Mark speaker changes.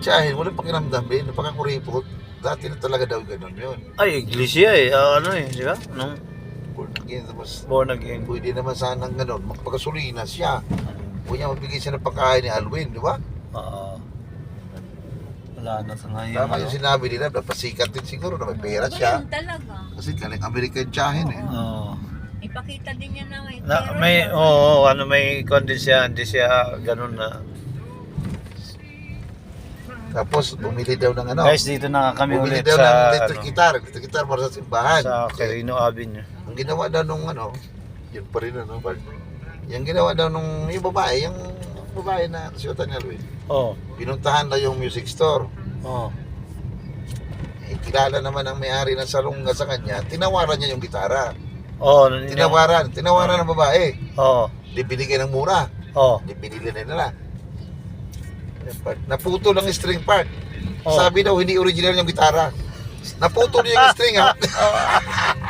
Speaker 1: tsahin, walang pakiramdam din, napakakuripot. Dati na talaga daw ganun yun.
Speaker 2: Ay, iglesia eh. Ano eh, di ba? Nung
Speaker 1: Born again, tapos
Speaker 2: born again.
Speaker 1: pwede naman sanang ganun, magpagasolina siya. Huwag niya magbigay siya ng pagkain ni Alwin, di ba?
Speaker 2: Oo. Wala na sa ngayon.
Speaker 1: Tama yung sinabi nila, napasikat din siguro na may pera siya.
Speaker 3: Ganun talaga.
Speaker 1: Kasi galing American tsahin eh.
Speaker 2: Oo.
Speaker 3: Ipakita din niya na may
Speaker 2: Na,
Speaker 3: pera
Speaker 2: may,
Speaker 3: siya.
Speaker 2: oo, ano, may kondisya, hindi siya ganun na.
Speaker 1: Tapos bumili daw ng ano,
Speaker 2: Guys, dito na kami
Speaker 1: bumili
Speaker 2: ulit
Speaker 1: daw ng
Speaker 2: sa,
Speaker 1: electric guitar para sa simbahan.
Speaker 2: sa Quirino Avenue.
Speaker 1: Ang ginawa daw nung ano, yun pa rin ano, yung ginawa daw nung yung babae na siyota ni Alwin.
Speaker 2: Oo.
Speaker 1: Pinuntahan daw yung music store.
Speaker 2: Oo.
Speaker 1: Eh, kilala naman ang may-ari ng salunga sa kanya, tinawaran niya yung gitara.
Speaker 2: Oo.
Speaker 1: Tinawaran ng babae.
Speaker 2: Oo.
Speaker 1: Di binigyan ng mura.
Speaker 2: Oo.
Speaker 1: Di binili na nila. Naputo lang yung string part.
Speaker 2: Oh.
Speaker 1: Sabi daw hindi original yung gitara. Naputo niya yung string ha.